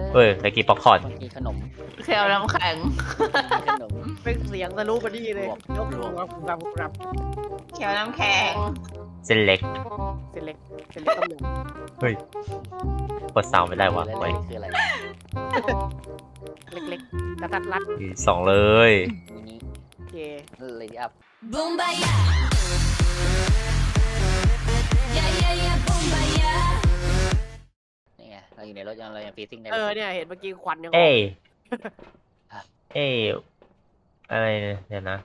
เฮ้ยตะกี้ป๊อปคอร์นกินขนมเคียวน้ำแข็งกินขนมเป็นเสียงทะลุมาดีเลยยกรวมรับเคียวน้ำแข็งเส้นเล็กเส้นเล็กต้มยเฮ้ยกดซาวไม่ได้วะคือไว้อะไรำเล็กๆกระทัดรัดสองเลยมินิโอเคเลยอัพ Bombaya. Yeah, yeah, yeah, bombaya. นี่ไงเราอยู่ในรถเรายังฟีซิ่งได้เนี่ยเห็นเมื่อกี้ควันยังเอ้ยเอ้ยอะไรเนี่ยเดี๋ยวนะ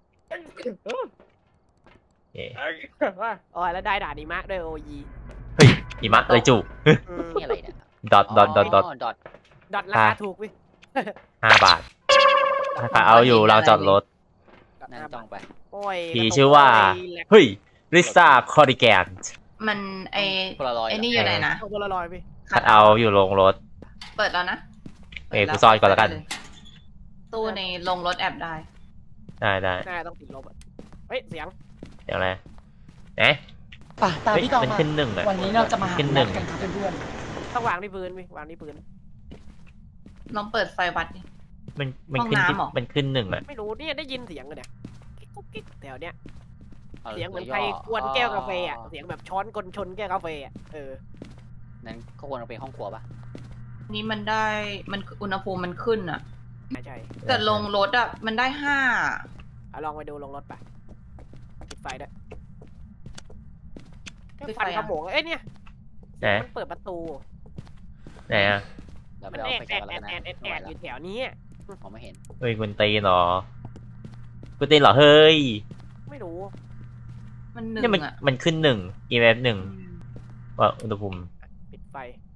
เอ้ยอ๋อแล้วได้ด่านิมะด้วยโอยีเฮ้ยหิมะเลยจุนี่อะไรเนี่ยดอทดอทดอทราคาถูกวิ 5 บาทถ้าเอาอยู่เราจอดรถนั่งจ้องไปโอ้ยผีชื่อว่า เฮ้ยลิซ่าคอริแกนมันไอโพลารอยด์ไอนี่อยู่ไหนนะเอาโพลารอยด์พี่คัดเอาอยู่ลงรถเปิดแล้วนะเอ้ยกูซ่อนก่อนแล้วกันตู้ในลงรถแอบได้ได้ได้น่าต้องติดลบเฮ้ยเสียงเดี๋ยวอะไรเอ๊ะป่ะตามเฮ้ยพี่ตองมันมาขึ้นหนึ่งอะวันนี้เราจะมาหาขึ้นหนึ่งกันครับเพื่อนต้องวางที่พื้นพี่วางที่พื้นลองเปิดไฟวัดดิมันขึ้นห้องน้ำเหรอมันขึ้นหนึ่งอะไม่รู้เนี่ยได้ยินเสียงเลยเนี่ยกุ๊กกิ๊กแถวเนี้ยอาเสียงเหมือนใครกวนแก้วกาแฟอ่ะเสียงแบบช้อนกลชนแก้วกาแฟอ่ะนั้นก็ควรเป็นห้องครัวปะนี่มันได้มันอุณหภูมิมันขึ้นอะใช่แต่ลงรถอะมันได้5 เอาลองไปดูลงรถไปปิดไฟด้วยปิดไฟฟันอะขโมงเอ้ยเนี่ยไหนมันเปิดประตูไหนอะเราไปมันเอาแอไปดแกะกันแล้วกันนะแอดอยู่แถวนี้มองไม่เห็นเฮ้ยคุณตีนเหรอคุณตีนเหรอเฮ้ยไม่รู้มันหนึ่เนี่ยงมันอะมันขึ้นหนึ่ง EMF หนึ่งว่าอุณหภูมิปิดไฟ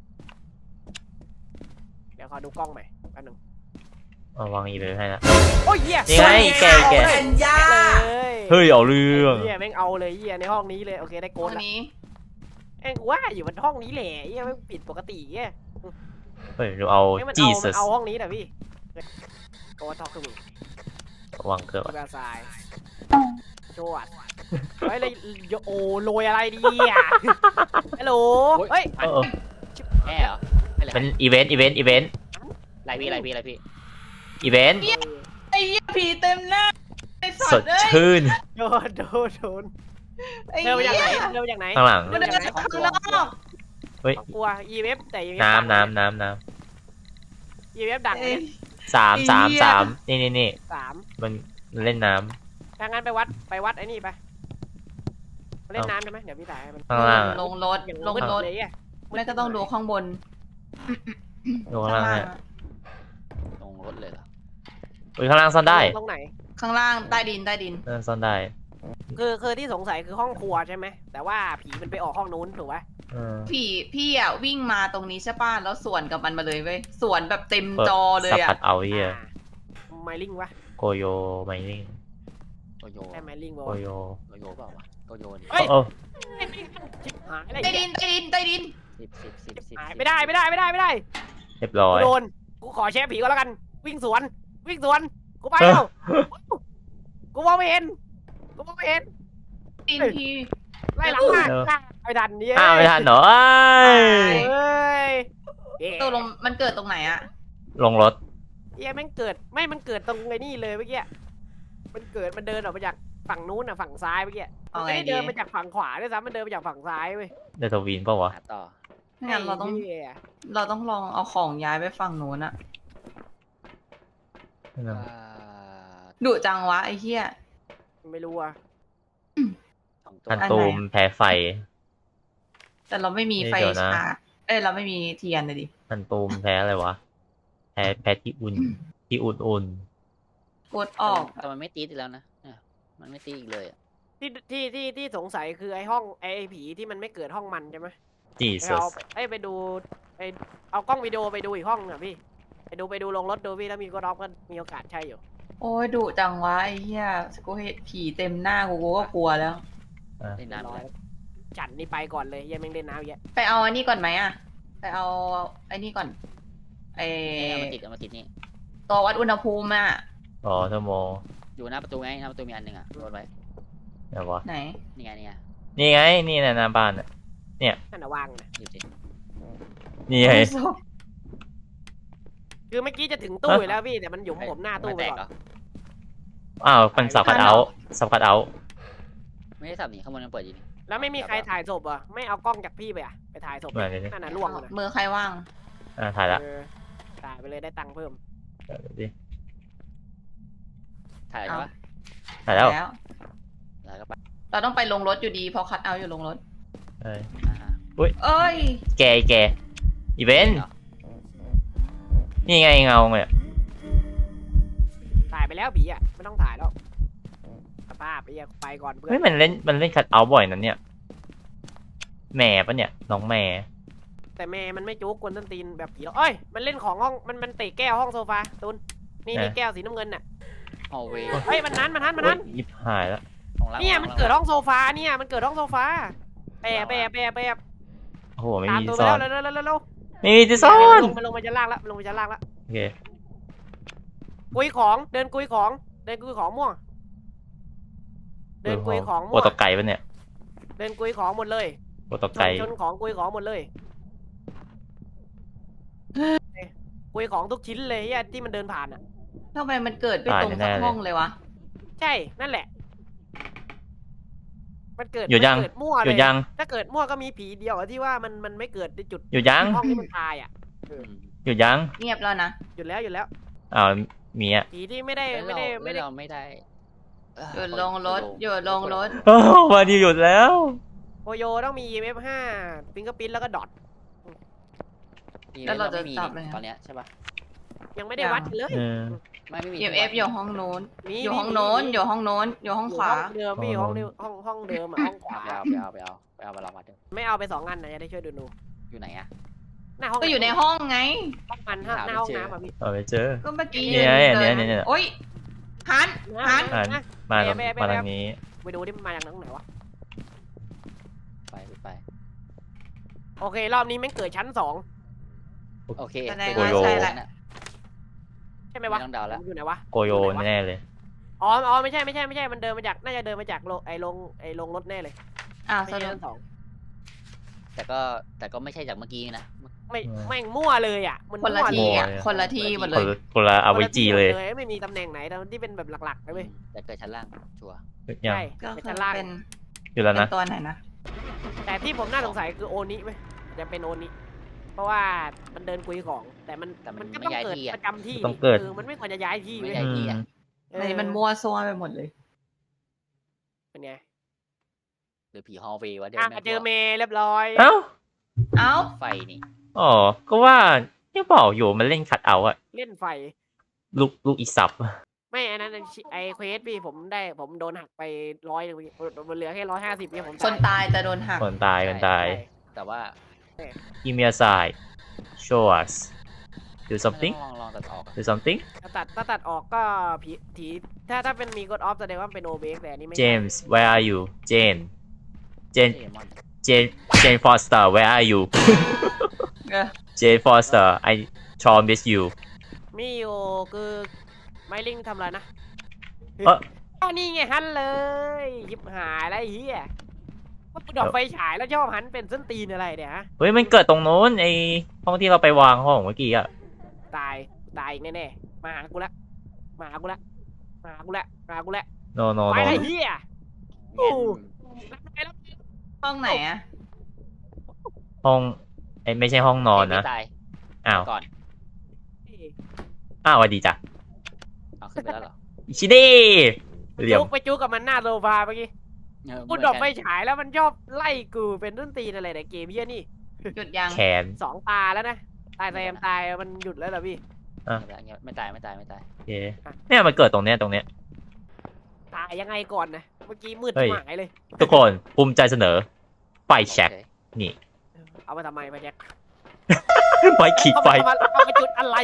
เดี๋ยวขอดูกล้องใหม่แป๊บนึงเอาวาง EMF ให้ละโอ้ยเหี้ยนี่ไงแกแกเลยเฮ้ยเอาเรื่องเหี้ยแม่งเอาเลยเหี้ยในห้องนี้เลยโอเคได้โกตันวละนี้เอ้ยกูว่าอยู่บนห้องนี้แหละเหี้ยแม่งปิดปกติเหี้ยเฮ้ยเราเอาเอ้ยมัน Jesus เอาห้องนี้แหละพี่โกนทอกคือมึงวางเกือบกูแบบทรายโจวดเฮ้ยเลยโอ้โรยอะไรดีอ่ะฮัลโหลเฮ้ยเออแม่เหรอไม่เลยเป็นอีเวนต์อีเวนต์อีเวนต์ไรพี่อีเวนต์ไอ้เหี้ยผีเต็มหน้าไอ้สัสตดว์เอ้ยชื่นโดนไอ้เดินไปเหี้จากยไหนเดินไปจากไหนข้างหลังมันเดินข้างนอกเฮ้ยกลัว EMF แต่ EMF น้ำดังน้ำ EMF ดังเอ้ยสามไอ้สามเหี้ยสามนี่สามมันเล่นน้ถ้างั้นไปวัดไอ้นี่ไปมาเล่นน้ำใช่ไหมเดี๋ยวพี่ถ่ายให้มันำข้างล่างลงรถอย่างลงรถเลยอ่ะไม่ก็ต้องดูข้างบนดูข้างล่างข้างฮะล่างลงรถเลยเหรออุ้ยข้างล่างซ่อนได้ตรงไหนข้างล่างใต้ดินซ่อนได้คือที่สงสัยคือห้องครัวใช่ไหมแต่ว่าผีมันไปออกห้องนู้นถูกไหมเออพี่อ่ะวิ่งมาตรงนี้ใช่ป่ะแล้วสวนกับมันมาเลยเว้ยสวนแบบเต็มเปิดจอเลยสับอ่ะผัดเอาเฮียไมลิงวะโกโยไมลิงโกโยใช่ไมลิงวะโกโยโกโยเปล่าวะโกโยนี่เฮ้ยเออชิบหายอะไรใต้ดินใต้ดินใต้ดิน 10 หายไม่ได้เรียบร้อยโดนกูขอแชร์ผีก็แล้วกัน วิ่งสวนกูไปแล้วกูมองไม่เห็นดินพี่ไล่หลังมาไม่ทันเนี่ยอ้าวไม่ทันเหรอเอ้ยเฮ้ยตกลงมันเกิดตรงไหนอ่ะลงรถเหี้ยแม่งเกิดมันเกิดตรงไอ้นี่เลยเมื่อกี้มันเดินออกมาจากฝั่งนู้นอ่ะฝั่งซ้ายเมื่อกี้เอามันไงไม่ได้ดีเดินมาจากฝั่งขวาด้วยซ้ำมันเดินมาจากฝั่งซ้ายเว้ยเดทวีนเปล่าวะหาต่อไม่งั้นเราต้องไเหี้ยลองเอาของย้ายไปฝั่งโน้นอ่ะดุจังวะไอ้เหี้ยไม่รู้อ่ะ 2 ตัวทันตูมแพ้ไฟแต่เราไม่มีไฟเดี๋ยวนะฉายเราไม่มีเทียนเลยดิทันตูมแพ้อะไรวะ แพ้ที่อุ่นอุ่นกดออกแต่มันไม่ตีอีกแล้วนะมันไม่ตีอีกเลยที่สงสัยคือไอ้ห้องไอ้ผีที่มันไม่เกิดห้องมันใช่ไหมจีซัเอาสไปดูเอากล้องวิดีโอไปดูอีกห้องอ่ะพี่ไปดูลงรถดูพี่แล้วมีก็รอบก็มีโอกาสใช่อยู่โอ้ยดุจังวะไอ้เหี้ยกูเห็นผีเต็มหน้ากูก็กลัวแล้วเล่นน้ำเลยจันนี่ไปก่อนเลยยังไม่เล่นน้ำเยอะไปเอาอันนี้ก่อนไหมอ่ะไปเอาไอ้นี่ก่อนไอเอามาติดนี่ตัววัดอุณหภูมิอ่ะอ๋อชั่วโมงอยู่หน้าประตูไงหน้าประตูมีอันหนึ่งอ่ะรถไว้เดี๋ยววะไหนนี่ไงนี่ไง นี่นะหน้าบ้านน่ะนั่นน่ะวางนะหยิบสินี่ไงคือเมื่อกี้จะถึงตู้อยู่แล้วพี่แต่มันหยุมผมหน้าตู้ไปแตกก่อนเหรออ้าวมันสับคัดเอาท์สับคัดเอาท์ไม่ได้สับนี่ข้างบนยังเปิดอยู่นี่แล้วไม่มีใครถ่ายศพเหรอ่ะไม่เอากล้องจากพี่ไปอ่ะไปถ่ายศพเหมือนเลยนั่นน่ะล่วงเลยมือใครว่างถ่ายละถ่ายไปเลยได้ตังค์เพิ่มเดี๋ยวดิถ่ายใช่ปะถ่ายแล้วแล้วแล้วก็ไปเราต้องไปลงรถอยู่ดีเพราะคัดเอาท์อยู่ลงรถเอ้ยอ่าเอ้ยแกอีเวนต์นี่ไงเงาเนี่ยถ่ายไปแล้วผีอ่ะไม่ต้องถ่ายแล้วสภาพไปก่อนเพื่อเฮ้ยนมันเล่นคัดเอาท์บ่อยนั่นเนี่ยแม่ปะเนี่ยน้องแม่แต่แม่มันไม่จุกกวนต้นตีนแบบผีหรอกเอ้ยมันเล่นของห้องมันเตะแก้วห้องโซฟาตุนนี่แก้วสีน้ำเงินน่ะฮอลเวย์เฮ้ยมันนั้นโอ๊ยยิบหายแล้วของล่างเนี่ยมันเกิดห้องโซฟาเนี่ยมันเกิดห้องโซฟาแปะโอ้โหไม่ตามมีตัวซ่อนไปแล้วเร็วไม่มีที่ซ่อนมันลงมาชั้นล่างแล้วมันลงมาชั้นล่างแล้วโอเคกุยของเดินกุยของม่วงเดินกุยของโปม่วรง ตกไก่ปะเนี่ยเดินกุยของหมดเลยโปรตกไก่ชนของกุยของหมดเลยกุยของทุกชิ้นเลยที่มันเดินผ่านอ่ะทำไมมันเกิดไปตรงสักห้องเลยวะใช่นั่นแหละมันเกิดหยุดยังมันเกิดมั่วหเลยุดยยังถ้าเกิดมั่วก็มีผีเดียวอะที่ว่ามันไม่เกิดในจุดหยุดยังห้องที่มันตายอ่ะหยุดยังเงียบแล้วนะหยุดแล้วอ้าวมีอ่ะผีที่ไม่ได้เราไม่ได้หยุดลงรถหยุดลงรถโอ้วันนี้หยุดแล้วโอโยต้องมี EMF 5ฟิงเกอร์พิ้นแล้วก็ดอทแล้วเราจะไม่มีจับเลยตอนเนี้ยใช่ปะยังไม่ได้วัดเลยเออไม่มี EMF อยู่ห้องโน้นมีอยู่ห้องโน้นอยู่ห้องโน้นอยู่ห้องขวาเดิมพี่อ๋อห้องเดิมห้องเดิมอะห้องขวาไปเอามาลองมาดูไม่เอาไป2 อันนะจะได้ช่วยดูอยู่ไหนอะหน้าห้องก็อยู่ในห้องไงห้องมันหน้าห้องน้ำอ่ะพี่เอาไปเจอก็เมื่อกี้เนี่ยดิโอ๊ยหัน หันอ่านนะมาทางนี้ไปดูที่มันมาจากไหนวะไปโอเครอบนี้แม่งเกิดชั้นโอเคแสดงโกว่าโยใช่แหละ 2ใช่ไหมวะไม่ต้องเดาแล้วอยู่ไหนวะโกโยแน่เลยอ๋อไม่ใช่มันเดินมาจากน่าจะเดินมาจากโรงรถแน่เลยอ้าวไม่สใช่รุปชั้นแต่ก็ไม่ใช่จากเมื่อกี้นะไม่แม่งมั่วเลยอ่ะมันคนละมั่วทีเลยอ่ะคนละทีหมดเลยคนละเอาไว้จีเลยไม่มีตำแหน่งไหนที่เป็นแบบหลักๆเลยเว้ยแต่เกิดชั้นล่างชัวร์ยังใช่ก็เป็นคือชั้นล่างเป็นอยู่แล้วเป็นะนตัวไหนนะแต่ที่ผมน่าสงสัยคือโอนิไหมจะเป็นโอนิเพราะว่ามันเดินคุยของ แต่มันก็ต้องเกิดประจำที่มันไม่ควรจะย้ายที่ไม่เว้ยใช่ที่อะในมันมั่วซั่วไปหมดเลยเป็นไงหรือผีฮอลเวย์วะเดี๋ยวเจอเมย์เรียบร้อยเอ้าเอ้าไฟนี่อ๋อก็ว่าที่บอกอยู่มันเล่นคัดเอาท์อะเล่นไฟลูกอีสับไม่อันนั้นไอเควสพี่ผมโดนหักไป100มันเหลือแค่150เนี่ยผมคนตายจะโดนหักคนตายแต่ว่า Give me a sign show us do something ลองตัดออก do something ถ้าตัดออกก็ผีถ้าเป็นมีกดออฟแสดงว่าเป็นโอเบกแต่อันนี้ไม่ James where are you Jane เจมอน Jane Foster where are you เออ Jane Foster I Sean miss you มีอยู่คือไมลิงทำอะไรนะเอ้ออ้าวนี่ไงหันเลยหยิบหายแล้วไอ้เหี้ยว่ากูดอกไฟฉายแล้วชอบหันเป็นส้นตีนอะไรเนี่ยฮะเฮ้ยมันเกิดตรงโน้นไอห้องที่เราไปวางห้องเมื่อกี้อะตายอีกแน่ๆมาหากูละ no no ไป no ไอ้เหี้ยโอ้แล้วห้องไหนอ่ะห้องไอไม่ใช่ห้องนอนนะไม่ตายอ้าวก่อนอ้าวสวัสดีจ้ะเอาขึ้นไปแล้วเหรอชิเด้เหลี่ยมไปจุกกับมันหน้าโซฟาเมื่อกี้กูดอกไฟฉายแล้วมันชอบไล่กูเป็นส้นตีนอะไรเนี่ยเกมเหี้ยนี่หยุดยังแขน 2 ตาแล้วนะตายแซมตายมันหยุดแล้วเหรอพี่ไม่ตายโอเคเนี่ยมันเกิดตรงเนี้ยตายยังไงก่อนนะเมื่อกี้มืดเฮ้ยหายเลยทุกคนภูมิใจเสนอไฟแช็กนี่เอามาทำไมมาแจ็คไฟขีดไฟเอามาจุดอะไร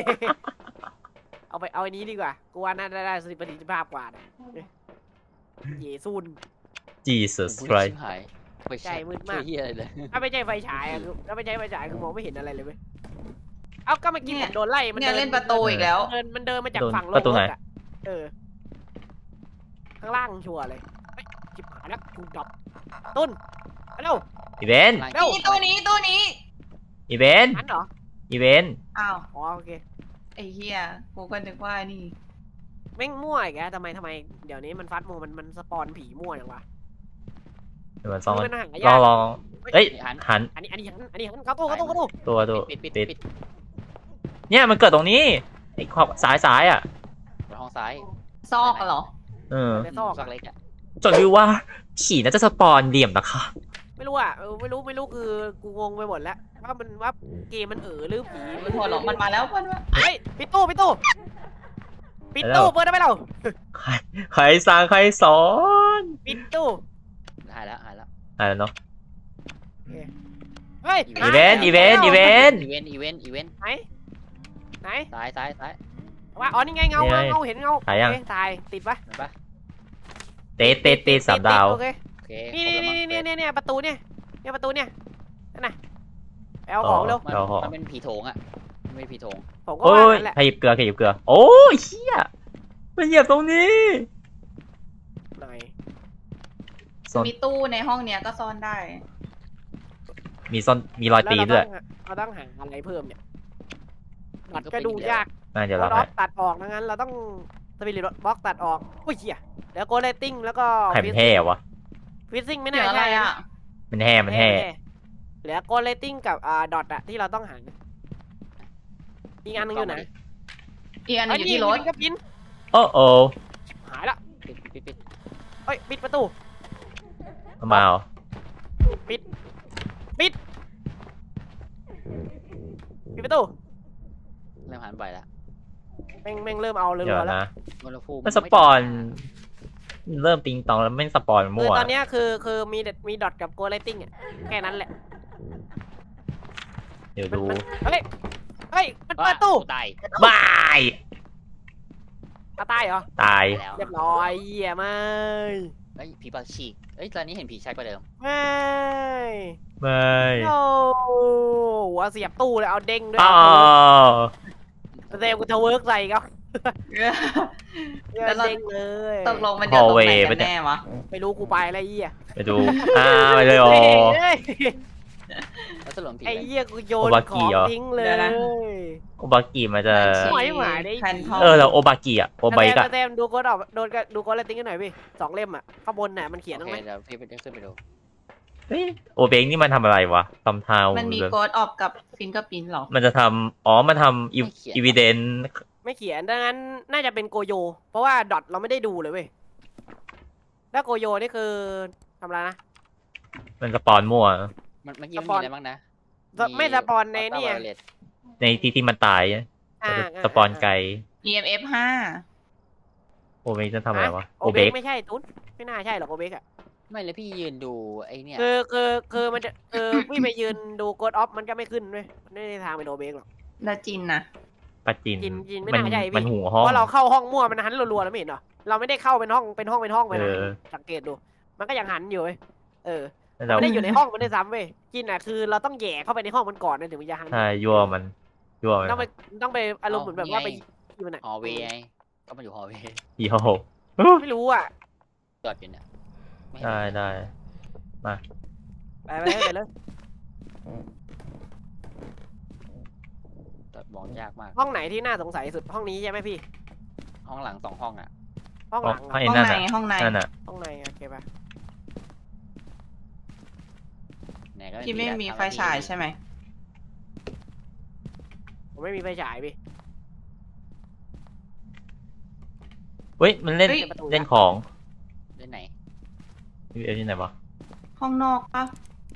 เอาอันนี้ดีกว่ากูว่าน่าได้ประสิทธิภาพกว่านะเยซูน Jesus ไฟ Christ หายไฟใช่มืดมากเฮียอะไรเลยถ้าไม่ใช่ไฟฉายอะคือถ้าไม่ใช่ไฟฉายคือมองไม่เห็นอะไรเลยเว้ยเอาก็เมื่อกี้ผมโดนไล่มันเนี่ยเล่นประตูอีกแล้วมันเดินมาจากฝั่งโลประตูไหนกอะข้างล่างชัวร์เลยเฮ้ยจิบหายแล้วกูดับต้นไปเร็วอีเวนต์เร็วนี่ตู้นี้อีเวนต์หันเหรออีเวนต์อ้าวอ๋อโอเคไอ้เหี้ยกูก็นึกว่านี่แม่งมั่วอีกแล้วทำไมเดี๋ยวนี้มันฟัดโมมันสปอนผีมั่วอย่างวะเดี๋ยวมันซ่อนมันหาลยาองกลองเอ้ย หันอันนี้เข้าตู้ตัวปิดเนี่ยมันเกิดตรงนี้ไอ้ขอบสายอ่ะห้องซ้ายซอกอะเหรอเออในซอกซอกเล็กอ่ะจนรู้ว่าผีน่าจะสปอนเหลี่ยมนะคะไม่รู้อ่ะไม่รู้คือกูงงไปหมดแล้วว่าเกมมันหรือผีมันหัวหรอกมันมาแล้วมันมาเฮ้ยปิดตู้เปิดได้ไหมเราใครสั่งใครสอนปิดตู้หายแล้วอะไรเนาะเฮ้ยอีเวนต์อีเวนต์ไหนซ้ายว่าอ๋อนี่ไงเงาเห็นเงาถ่ายติดปะเห็นปะเตะ3 ดาวโอเคโอเคนี่ประตูเนี่ยประตูเนี่ยนั่นน่ะไปเอาของเร็วมันเป็นผีโถงอ่ะไม่ผีโถงผมก็โอ้ว่าย นั่นแหละขยิบเกลือโอ้ยเชี่ยมันเหยียบตรงนี้หน่อยมีตู้ในห้องเนี้ยก็ซ่อนได้มีรอยตีนด้วยเราต้องหาอะไรเพิ่มเนี่ยตัดก็ดูยากเดี๋ยวเราล็ให้อกตัดออกงั้นเราต้องสปิริตบล็อกตัดออกอุ้ยเหี้ยแล้วโกเลตติ้งแล้วก็ไข่มันแห่วะฟิซซิ่งไม่เหลืน่าออะไรใช่อ่ะมันแห่เหลือโกเลตติ้งกับดอทอะที่เราต้องหาอีกอันนึงอยู่ไหนอีกอันหนึงอยู่ที่รถก็ปินโอ้โอ้หายละปิดเฮ้ยปิดประตูมาเหรอปิดประตูเริ่มหันไปแล้วแม่งเริ่มเอาเรื่เดี๋ยวอยๆแล้วนะอุณหภูมิมันสปอนเริ่มติงตองแล้วไม่สปอนคือมั่วตอนนี้คือมีดอทกับโกเลตติ้งอะแค่นั้นแหละเดี๋ยวดูเฮ้ยมันเปิดตู้ตายบายตายเหรอตายแล้วเรียบร้อยเหี้ยไม่เฮ้ยผีปากฉีกเอ้ยตอนนี้เห็นผีชัดกว่าเดิมไม่ไม่โอ้หัวเสียบตู้เลยเอาเด้งด้วยอ้าวเซลกูจะเวิร์กใส่เขาแล้วเราเด้งเลยตกลงมันเดินตรงไหนกันแน่วะไม่รู้กูไปอะไรเหี้ยไปดูไปเลยโอเฮ้ยแล้วสรุปผีไอ้อะไรเหี้ยกูโยนโอบากิของเหรอทิ้งเลยโอบากิมันจะหวยหมาได้แผ่นทองแล้วโอบากิอ่ะโอบากิอะเต็มดูโค้ดออกดูโค้ดอะไรติ้งกันหน่อยพี่2 เล่มอ่ะข้างบนน่ะมันเขียนโอตรงเคไหนเดี๋ยวพี่ไปขึ้นไปดูเฮ้ยโอเบงนี่มันทำอะไรวะทำทาวมันมีโกดออกกับฟิงเกอร์พินหรอมันจะทำมันทำอีวิเดนไม่เขียนดังนั้นน่าจะเป็นโกโย เพราะว่าดอทเราไม่ได้ดูเลยเว้ยแล้วโกโยนี่คือทำอะไรนะมันสปอนมั่วมันยิ้มมีอะไรบ้างนะไม่สปอนในนี่ในที่มันตายอ่าสปอนไกล EMF 5 โอเบงจะทำอะไรวะโอโอเบเบกกไม่ใช่ตุ้นไม่น่าใช่หรอกโอเบกอ่ะไม่เลยพี่ยืนดูไอ้เนี่ยคือมันจะพี่ไปยืนดูโกดออฟมันก็ไม่ขึ้นเว้ยไม่ได้ทางเป็นโอเบกหรอกแล้วจินนะปาจินจินไม่มันน่าใช่พี่มันหัวเพห้องราะเราเข้าห้องมั่วมันหันรัวๆแล้วไม่เห็นเหรอเราไม่ได้เข้าเป็นห้องไปนะสังเกตดู มันก็ยังหันอยู่เว้ยเราไม่ได้อยู่ในห้องมันได้ซ้ำเว้ยจินอ่ะคือเราต้องแย่เข้าไปในห้องมันก่อนนะถึงมันจะหันใช่ยั่วมันยั่วมันต้องไปอารมณ์เหมือนแบบว่าไปอยู่ไหนฮอลเวย์ไงก็มาอยู่ฮอลเวย์ยี่ห้อไม่รู้อ่ะจอดอยู่เนี่ยไม่เห็นได้ไปเลยจอดมองยากมากห้องไหนที่น่าสงสัยสุดห้องนี้ใช่ไหมพี่ห้องหลัง2 ห้องอ่ะห้องหลังห้องห้องนั่นในน่ะห้องในนั่นน่ะห้องในโอเคป่ะไหนก็ที่ไม่มีไฟฉายใช่ไหมผมไม่มีไฟฉายพี่เฮ้ยมันเล่นเล่นของเล่นไหนที่ไหนวะห้องนอกปะ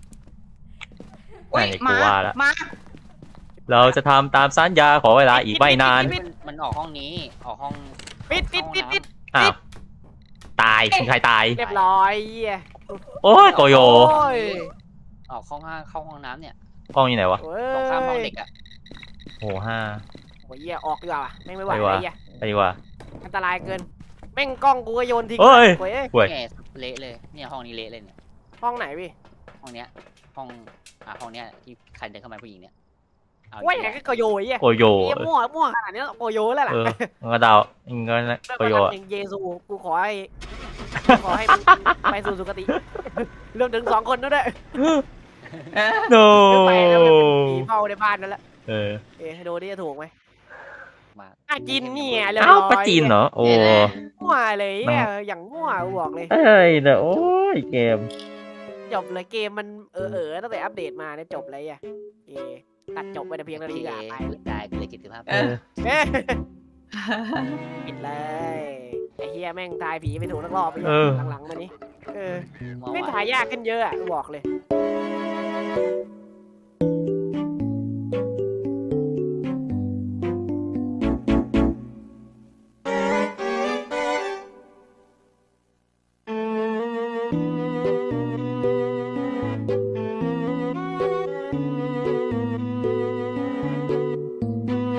ไหนกูว่าละมาเราจะทำตามสัญญาขอเวลาอีกไม่นานมันออกห้องนี้ออกห้องปิดอ้าวตายมีใครตายเรียบร้อยเหี้ยโอ้ยโกโยโอ้ยออกห้องเข้าห้องน้ำเนี่ยห้องอยู่ไหนวะตรงข้ามห้องเด็กอ่ะโห5 โอ้ยเหี้ยออกดีกว่าไม่ไหวไม่ไหวไอ้เหี้ยไปดีกว่าอันตรายเกินแม่งกล้องกูก็โยนทิ้งเฮ้ยโอ้ยเว้ยแง่เละเลยเนี่ยห้องนี้เละเลยเนี่ยห้องไหนพี่ห้องเนี้ยห้องห้องเนี้ยที่ใครเดินเข้ามาผู้หญิงเนี่ยเอาว่าอย่างก็โกโยไอ้เหี้ยโกโยเหี้ยมั่วขนาดนี้โกโยแล้วล่ะมันก็เดาเงินโกโยอย่างเยซูกูขอให้มันไปสู่สุคติเริ่มถึง2 คนแล้วด้วยโนไปแล้วมันเป็นผีเฝ้าในบ้านนั่นแหละเออดูดิจะถูกไหมมากอ่ะกินนี่ไงเรียบเอ้าร้อยปลาจีนเหรอ โอ้มั่วเลยเนี่ยอย่างมั่วกูบอกเลยเอ้ยเด้อโอ้ยเกมจบเลยเกมมันตั้งแต่อัปเดตมาเนี่ยจบเลยอ่ะเอตัดจบไปแต่เพียงเท่านี้ก็ไปได้กูเลย75 เออเอ๊ะปิดเลยไอ้เฮียแม่งทายผีไปถูกทั้งรอบไปหลังๆมานี้ไม่ถ่ายยากขึ้นเยอะอ่ะบอกเลย